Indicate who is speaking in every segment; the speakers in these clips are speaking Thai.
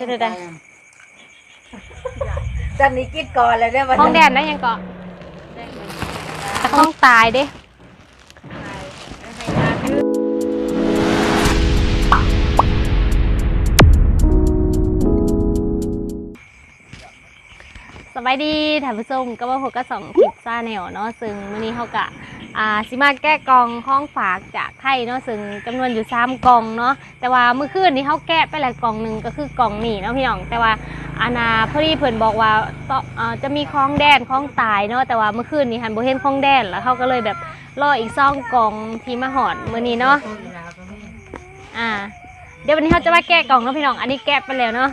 Speaker 1: ได้
Speaker 2: จันนี้กินก่อนเลยเนี่ย
Speaker 1: ห้องแดนได้ยังเกาะแต่ห้องตายเด้สบายดีท่านผู้ชมก็มาพบกับ2 คลิปซ่าแนวเนาะซึ่งวันนี้เขากะสิมาแก้กล่องของฝากจากไทยเนาะซึ่งจำนวนอยู่3 กล่องเนาะแต่ว่าเมื่อคืนนี้เขาแกะไปหลายกล่องหนึ่งก็คือกล่องนี้เนาะพี่น้องแต่ว่าพอดีเพิ่นบอกว่าจะมีของแดนของตายเนาะแต่ว่าเมื่อคืนนี้หันบ่เห็นของแดนแล้วเขาก็เลยแบบรออีก2 กล่องที่มาหอดมื้อนี้เนาะเดี๋ยววันนี้เขาจะมาแกะกล่องเนาะพี่น้องอันนี้แกะไปแล้วเนาะ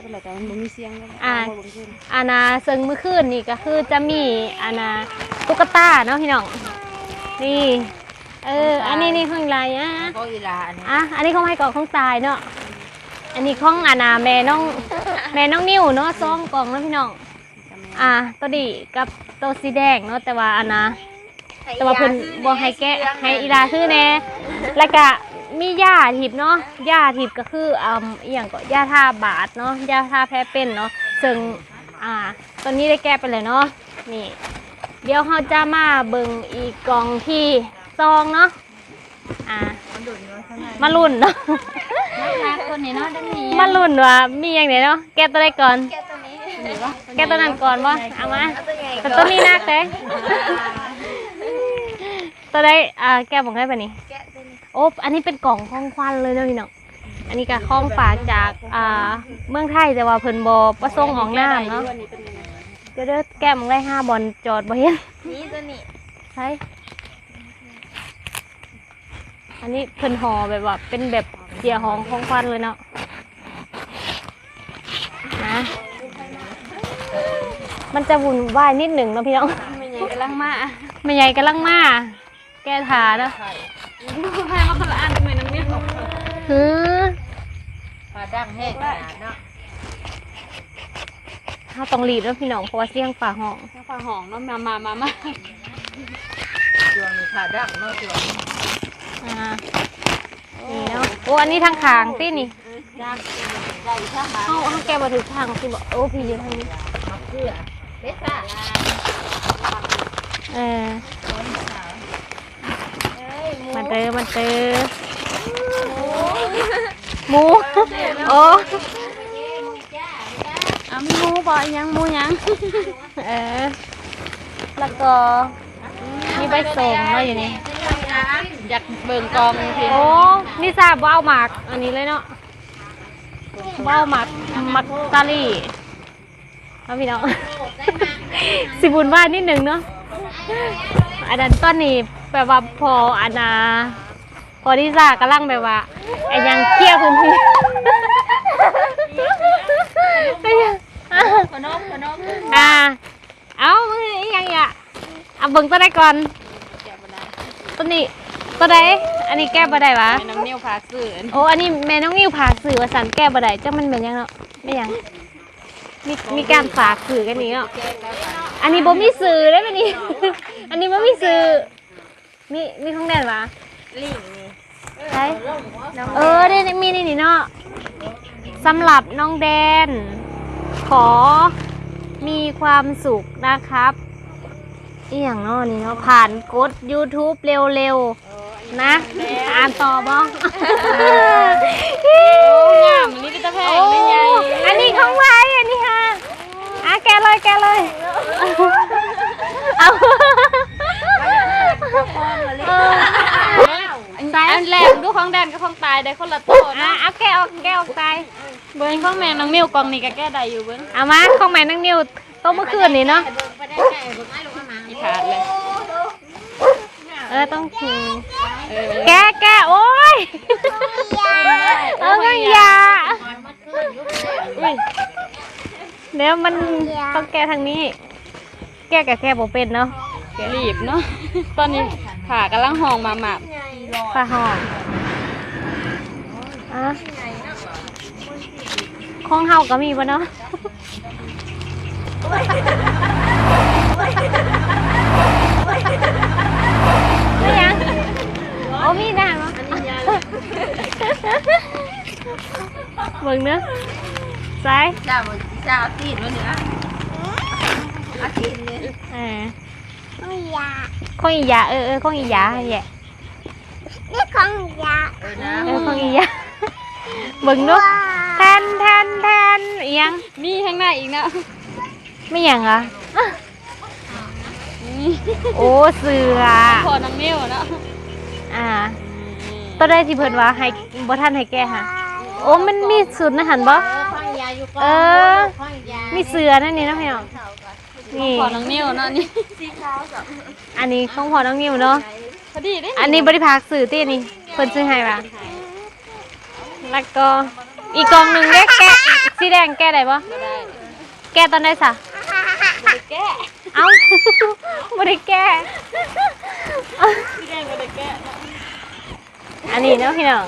Speaker 1: ซึ่งเมื่อคืนนี่ก็คือจะมีตุ๊กตาเนาะพี่น้องนี่อันนี้นี่ของอะไรอันนี้ของให้กล่องของตายเนาะอันนี้ของแม่น้องนิ้วเนาะ2 กล่องเนาะพี่น้องตัวดีกับตัวสีแดงเนาะแต่ว่าแต่ว่าเพิ่นบ่ให้แกะให้อีลาคือแน่แล้วก็มียาทิพเนาะยาทิพก็คืออย่างก็ยาทาบาดเนาะยาทาแผลเป็นเนาะซึ่งตอนนี้ได้แก้ไปเลยเนาะนี่เดี๋ยวเราจะมาเบิ่งอีกกล่องที่2เนาะมาลุ้นเนาะมาลุ้นว่ามีอย่างไหนเนาะแก้ตัวใดก่อนแก้ตัวนั้นก่อนบ่เอามาแต่ตัวนี้นักเลยตัวใดแก้บอกให้ป่ะนี่โอ้อันนี้เป็นกล่องของขวัญเลยนะพี่น้องอันนี้ก็ของฝากจากเมืองไทยแต่ว่าเพิ่นบ่ประสงค์ออกน้ำเนาะเดี๋ยวแก้มได้5 บอลจอดบ่เห็นนี่ตัวนี้ใช่อันนี้เพิ่นห่อแบบว่าเป็นแบบเสียหองของขวัญเลยเนาะนะมันจะวุ่นวายนิดหนึ่งเนาะพี่น้องไม่ใหญ่กำลังมาแก้ทาเนาะใครมาคนละอันทำไมน้องเนี่ย
Speaker 2: ปลาดังแห้งขนาดเนาะ
Speaker 1: เขาต้องรีบแล้วพี่น้องเพราะว่าเสียงฝ่าห้อง
Speaker 3: เนาะมา
Speaker 2: ช่วงนี้ปลาดังเนาะช่วง
Speaker 1: นี่เนาะโอ้อันนี้ทางขางตี้นี่เขาแกมาถึงทางที่บอกโอ้พี่อยู่ทางนี้
Speaker 2: เพื่อเบ็ดซ่า
Speaker 1: มันเจอหมูโอ้
Speaker 3: มีหมูบ่ยังหมูยัง
Speaker 1: แล้วก็มีใบส่งเนาะอยู่นี่
Speaker 3: อยากเบิ่งกองพี่
Speaker 1: โอ้นี่ทราบว่าเอาหมากอันนี้เลยเนาะว่าเอาหมากตาลี่เอาพี่น้องสิบุญว่านิดหนึ่งเนาะอันนั้นต้นนี้แบบว่าพอที่ซ่ากำลังแบบว่าไอ้ยังเคี่ยวพื้นที่เอาอีหยังอ่ะเอาเบิ่งตัวใดก่อนตัวนี้ตัวใดอันนี้แก้บ่ได้วะ
Speaker 3: แม่น้องนิ้วพาสื่อ
Speaker 1: โอ้อันนี้แม่น้องนิ้วพาสื่อว่าสันแก้บ่ได้จ้ามันเป็นยังเนาะไม่ยังมีการฝากสื่อกันนี้เนาะอันนี้บ่มีสื่อได้ไหมนี่อันนี้บ่มีสื่อมีของแดนวะ
Speaker 2: ลิงนี่
Speaker 1: ใช่ได้มีนี่เนาะสำหรับน้องแดนขอมีความสุขนะครับอีหยังเนาะนี่เนาะผ่านกด YouTube เร็วๆนะอ่านต่อบ้าง
Speaker 3: งามนี่ก็จะแพงได้ไง
Speaker 1: อันนี้ของไว้อันนี้ค่ะแกเลยเอา
Speaker 3: อันแรกดูของแดนกับของตายได้คนละตัว
Speaker 1: นะเอาแกออกตาย
Speaker 3: เบิ้งของแม่น้องนิ้วกองนี่ก็แก้ได้อยู่เบิ้ง
Speaker 1: เอามาของแม่น้องนิ้วโตเมื่อคืนนี่เนาะ
Speaker 3: อีขาดเลย
Speaker 1: ต้องคือแกโอ้ยไม่ยาเดี๋ยวมันต้องแกทางนี้แกกับแกบ่เป็นเนาะ
Speaker 3: รีบเนาะตอนนี้ขากำลังห้องมาหมับ
Speaker 1: ฝ่าห้องของเฮาก็มีบ่เนาะไม่ยังโอ้มีได้มั้งเบิ่งเนาะใส่
Speaker 2: เจ้าเอาตีนมาเนี่ยเอาตีนเนี่ย
Speaker 1: ของอีหยาของอีหยาแย่
Speaker 2: นะ
Speaker 1: ของอีหยาเบิ่งดูแทนอีหยัง
Speaker 3: มีข้างหน้าอีกนะ
Speaker 1: ไม่หยังอ่ะโอ้เสือ
Speaker 3: พอน้องนิ้วเนาะ
Speaker 1: ตอนแรกที่เพิ่นว่าให้บ่ทันให้แก้ค่ะโอ้มันมีสูตรนะหันบ่มีเสือนั่นนี่เนาะพี่น้องนี่
Speaker 3: พอน้องนิ้วเนาะนี่
Speaker 1: อันนี้ของพ่อน้องนิวเนาะ
Speaker 3: พอดีเด้
Speaker 1: อันนี้บริภาคสื่อที่นี่เพิ่นซื้อให้ว่ะแล้วก็อีกกล่องหนึงเด้แกะสีแดงแกะได้บ่
Speaker 3: ก็ได้
Speaker 1: แกะตอนใดซะ
Speaker 3: บ่ได้แก้
Speaker 1: เอ้า บ่ได้แกะ
Speaker 3: พี่แดงบ่ได้แก้
Speaker 1: อันนี้เนาะพี่น้อง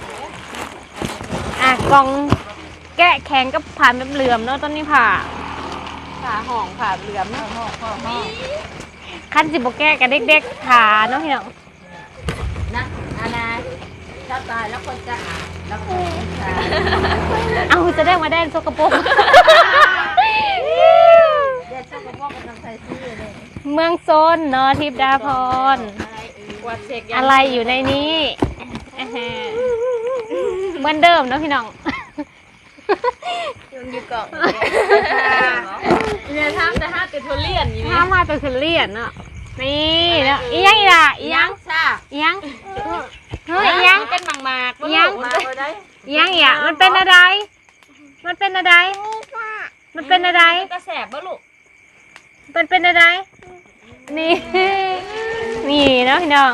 Speaker 1: กล่องแกะแข็งกับผ่านแบบเหลื่อมเนาะตอนนี้ผ่า
Speaker 3: ขาห่องขาเหลือมเนาะ
Speaker 1: คันสิบ่แกะกับเด็กๆขาเนาะพี่น้อง
Speaker 2: นะอาณาถ้าตายแล้วคนจะอาบแล้วก็จะ
Speaker 1: เอาจะได้มาแดนสกปรก
Speaker 2: เด็กชอบกับพ่อกับน้ำใส่ซื้อเลย
Speaker 1: เมืองโซนเนาะทิพย์ดาพร
Speaker 3: กวาดเช็ค
Speaker 1: อะไรอยู่ในนี้เหมือนเดิมเนาะพี่น้อง
Speaker 2: อยู่เกาะ
Speaker 3: เนี่ยทำแต่ห้าติดทุเรียนอยู่นี่
Speaker 1: ถ้ามาเป็นคือเลียนเนาะนี่เนาะอีหยังอีล่ะอีหยัง
Speaker 2: ซ่า
Speaker 1: อีหยังเฮ้ยอีหยัง
Speaker 3: เป็นหมากๆ
Speaker 1: อีหยัง
Speaker 2: มาได้
Speaker 1: อีหยังอีหยังมันเป็นอะไรมันเป็นอะไรมันเป็นอะไร
Speaker 3: กระแสบบ่ลูก
Speaker 1: มันเป็นอะไรนี่นี่เนาะพี่น้อง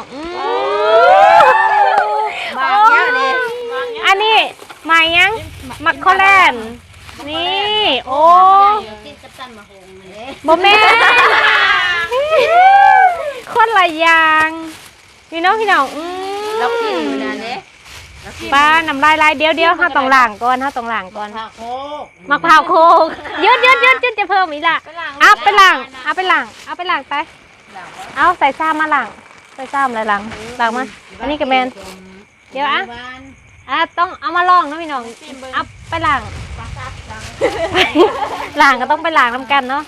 Speaker 2: บางเนี้ยเลย
Speaker 1: อันนี้หมายยังมักโคแลนด์นี่โอ้
Speaker 2: กินกับตันมาหงเลย
Speaker 1: บ่แม่นคนละอย่างพี่น้องพี่น้อง
Speaker 2: เรากินอยู่นะเนี่ย
Speaker 1: ป้าน้ำลายลายเดี๋ยวเฮาต้องล้างก่อนเฮาต้องล้างก่อน
Speaker 2: ข้าวโคก
Speaker 1: มะพร้าวโคกยืดจะเพิ่มอีกล่ะเอาไปล้างไปเอาใส่ซ้ำมาล้างใส่ซ้ำอะไรล้างมาอันนี้ก็แมนเดี๋ยวต้องเอามาลองนะพี่น้องเอาไปล้างล้างก็ต้องไปล้างน้ำกันเนาะ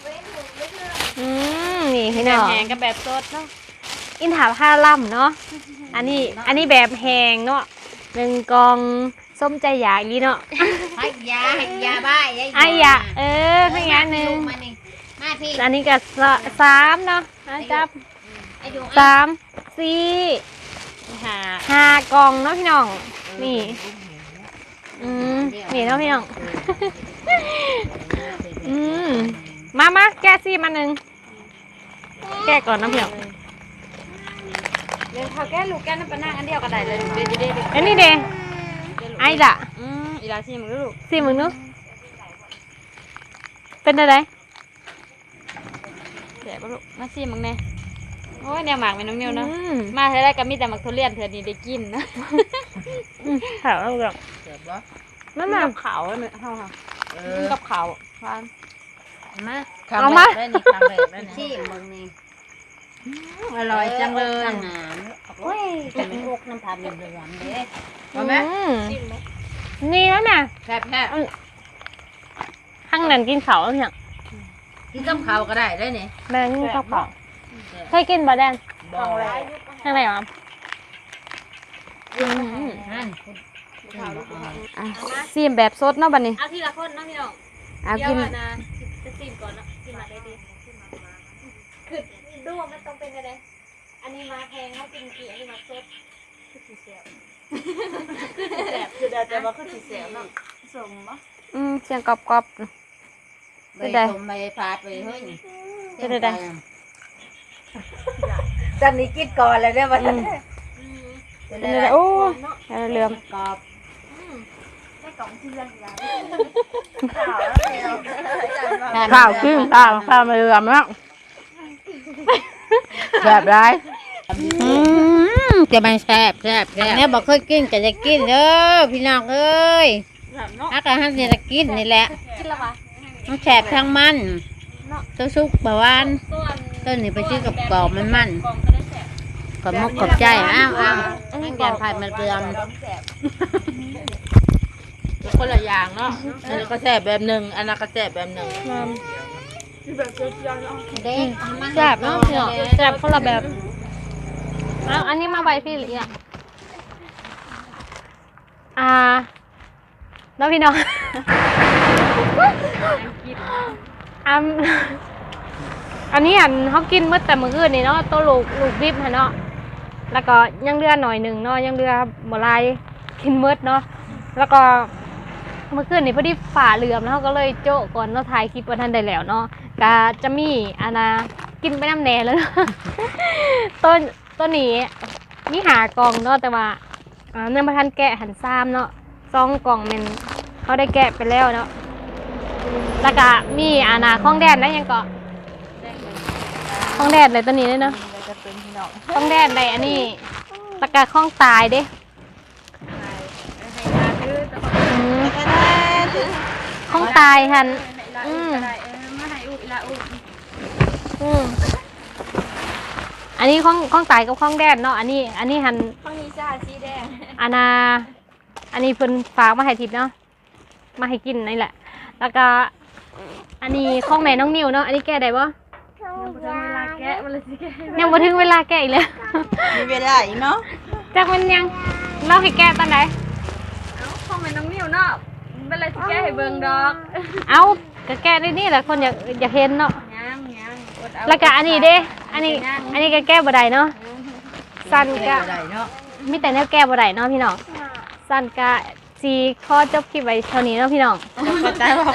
Speaker 1: นี่พี่น้อง
Speaker 3: แหงกับแบบสดเนาะ
Speaker 1: อินถาผ้าล่ำเนาะอันนี้แบบแหงเนาะ1กล่องส้มใจอยากอีเนาะ
Speaker 2: ให้ยาบ้า
Speaker 1: ไอ้ยะให้งานหนึ่ง
Speaker 2: มาที่
Speaker 1: อันนี้ก็3เนาะจับ3 4 5กล่องเนาะพี่น้องนี่นี่เนาะพี่น้องมาแกะซี่มาหนึ่งแกะก่อนนะพี่น้อง
Speaker 3: เดี๋ยวเขาแก้ลูกแก้น้ำปลาหน้าอันเดียวก็ได้เลยเด็ด
Speaker 1: อันนี้เด้ไอ้ละ
Speaker 3: อีลาชิมลูก
Speaker 1: ซี่มึงเนาะเป็นอะไร
Speaker 3: เดี๋ยวลูกมาชิมมึงแน่โอ้ยแนวหมากเป็นน้องนิ้วเนาะมาเท่าไรก็มีแต่หมักทุเรียนเธอนี่ได้กินนะ
Speaker 1: ขาวแล้วกับนั่นน่ะ
Speaker 3: กับเขาเนี่ยเฮาค่ะกับเขาฟาน
Speaker 2: มาได้นี่ครั้งแรกได้นี่ที่มึงนี่อร่อยจังเลยโอ้ยจะเป็นพวกน้ำตาลเหลืองๆเลยมาไหม
Speaker 1: นี่แล้วน่ะ
Speaker 2: แซ่บ
Speaker 1: ข้างนั้นกินเขาแล้วเนี่ย
Speaker 2: กินกับข้าวก็ได้ได้นี่
Speaker 1: แม่กินข้าวเปล่าเคยกินบะแดน
Speaker 2: บ่
Speaker 1: ข้างไหนวะ
Speaker 3: ซีมแบบสดเนาะบัดนี้
Speaker 1: เอาทีละคนนะพี่น้อง
Speaker 3: เอากิน
Speaker 1: นะจะซีมก่อนนะซีมมาได้ดีคือดูว่ามันต้องเป็นอะไรอันนี้มาแพงเขากินกี่อันนี้มาสดคือสีเสียวคือแต่ว่าคือสีเสียวเนาะสมปะ
Speaker 3: เสียงกรอบ
Speaker 2: ไปได้ไปฟาดไปเฮ้ยจันนี้กินก่อนเลยเนี่ยวันนี้
Speaker 3: เป็นอะไรโอ้เหลือม
Speaker 2: กรอบ
Speaker 3: ข้าวขึ้นข้าวมาเหลือมแล้วแบบไร
Speaker 2: จะมันแซ่บเนี่ยบอกเคยกินก็จะกินเด้อพี่น้องเอ้ยฮักกะฮันจะกินนี่แหละ
Speaker 1: กินแล้ววะ
Speaker 2: มันแซ่บทั้งมันตัวซุกบะวาน
Speaker 1: ส่วน
Speaker 2: ต้นนี้ไปซื้อกับกรอบมัน
Speaker 1: กล่องก็ได้แสบ
Speaker 2: ขอบมุกขอบใจอ้าวนั่งแกนพายมันเปลือมคนละอย่างเนาะอันนี้ก็แซ่บแบบหนึ่งอันนั้นก็แซ่บแบบหนึ่งเด็ก
Speaker 1: แซ่บเนาะพี่น้องแซ่บคนละแบบเอาอันนี้มาใบพี่หรือยังแล้วพี่น้องอันนี้เขากินเมื่อแต่มื้อคืนนี่เนาะตัวลูกดิบเนาะแล้วก็ยังเลือหน่อยหนึ่งเนาะยังเลือบ่ลายกินเมื่อเนาะแล้วก็เมื่อคืนนี่พอดีฝ่าเหลื่อมแล้วก็เลยโจ๊ะก่อนเนาะถ่ายคลิปวันทันได้แล้วเนาะก็จะมีกินไปน้ำแหน่แล้วเนาะ ต้นนี้มีหากล่องเนาะแต่ว่าเนื้อมาทันแกะหันซ้ำเนาะ2 กล่องมันเขาได้แกะไปแล้วเนาะแล้วก็มีข้องแดนแล้วยังก็ข้องแดนเลยตัวนี้เลยเนาะข้องแดนเลยอันนี้แล้วก็ข้องตายเด้ข้องตายหันอันนี้ข้องตายกับข้องแดนเนาะอันนี้หันข้องนี้จ้าสีแดงอันนี้เพิ่นฝากมาให้ทิพย์เนาะมาให้กินนี่แหละแล้วก็อันนี้ข้องแม่น้องนิวเนาะอันนี้แก้ได้บ่ยังบ่ถึงเวลาแก้อีกแล้ว
Speaker 2: มีเวลาอีกเนาะ
Speaker 1: จักมันยังเล่าให้แก้ตอนไหน
Speaker 3: ข้องแม่น้องนิวเนาะเป็นไรสิแก้ให้เบิ่งดอก
Speaker 1: เอาก็แก้ได้นี่แหละคนอยากเห็นเนาะ
Speaker 3: ยังอดเอา
Speaker 1: แล้วก็อันนี้เด้อันนี้ก็แก้บ่ได้เนาะสั้นก็มีแต่แนวแก้บ่ได้เนาะพี่น้องสั้นก็สีข้อจบคลิปไว้เท่านี้เนาะพี่น้อง
Speaker 2: เข้าใจว่า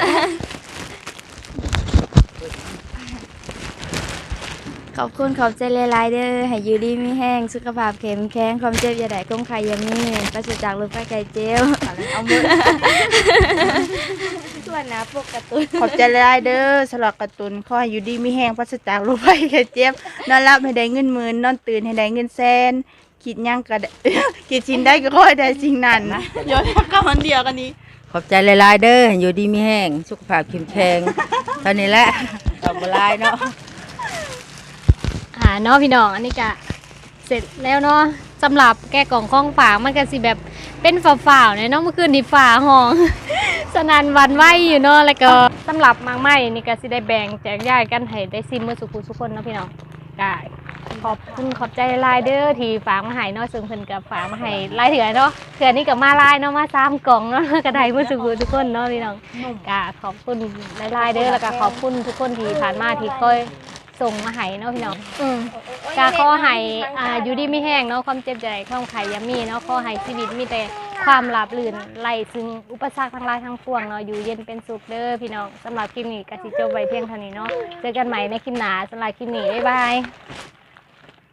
Speaker 4: ขอบคุณขอบใจหลายๆเด้อให้อยู่ดีมีแห้งสุขภาพเข้มแข็งความเจ็บอย่าได้ก้มไข่อยามีปราศจากโรคภัยไข้เจ็บเอามือส่วนนะพวกการ์ตูน
Speaker 2: ขอบใจหลายเด้อสำหรับการ์ตูนขอให้อยู่ดีมีแห้งปราศจากโรคภัยไข้เจ็บนอนหลับให้ได้เงินหมื่นนอนตื่นให้ได้เงินแสนคิดหยังก็ได้ คิดสิ่งใดก็ขอให้ได้สิ่งนั้นนะโยนกับมันเดียวกันนี้ขอบใจหลายๆเด้ออยู่ดีมีแห้งสุขภาพเข้มแข็งเท่านี้แหละขอบหลายเนาะ
Speaker 1: เนาะพี่น้องอันนี้ก็เสร็จแล้วเนาะสำหรับแก้กล่องข้องฝามันก็สิแบบเป็นฝ่าๆเนี่ยเนาะเมื่อคืนที่ฝาห้อง สนั่นหวันไหวอยู่เนาะแล้วก็สำหรับมากไม้นี่ก็สิได้แบ่งแจกจ่ายกันให้ได้ซิมเมื่อสุขุสุขคนเนาะพี่น้องก็ขอบคุณขอบใจหลายเด้อที่ฝากมาให้เนาะซึ่งเพิ่นก็ฝากมาให้หลายเถื่อเนาะเถื่อนี้ก็มาหลายเนาะมา3 กล่องเนาะก็ได้เมื่อสุขุทุกคนเนาะพี่น้องก็ขอบคุณหลายๆเด้อแล้วก็ขอบคุณทุกคนที่ผ่านมาที่คอยส่งมาให้เนาะพี่น้องกาขอให้อยู่ดีไม่แห้งเนาะความเจ็บใจความไข่ยามีเนาะขอให้ชีวิตมีแต่ความราบรื่นไล่ซึ่งอุปสรรคทั้งหลายทั้งปวงเนาะอยู่เย็นเป็นสุขเด้อพี่น้องสำหรับคลิปนี้ก็สิจบไว้เพียงเท่านี้เนาะเจอกันใหม่ในคลิปหน้าสำหรับคลิปนี้บ๊ายบาย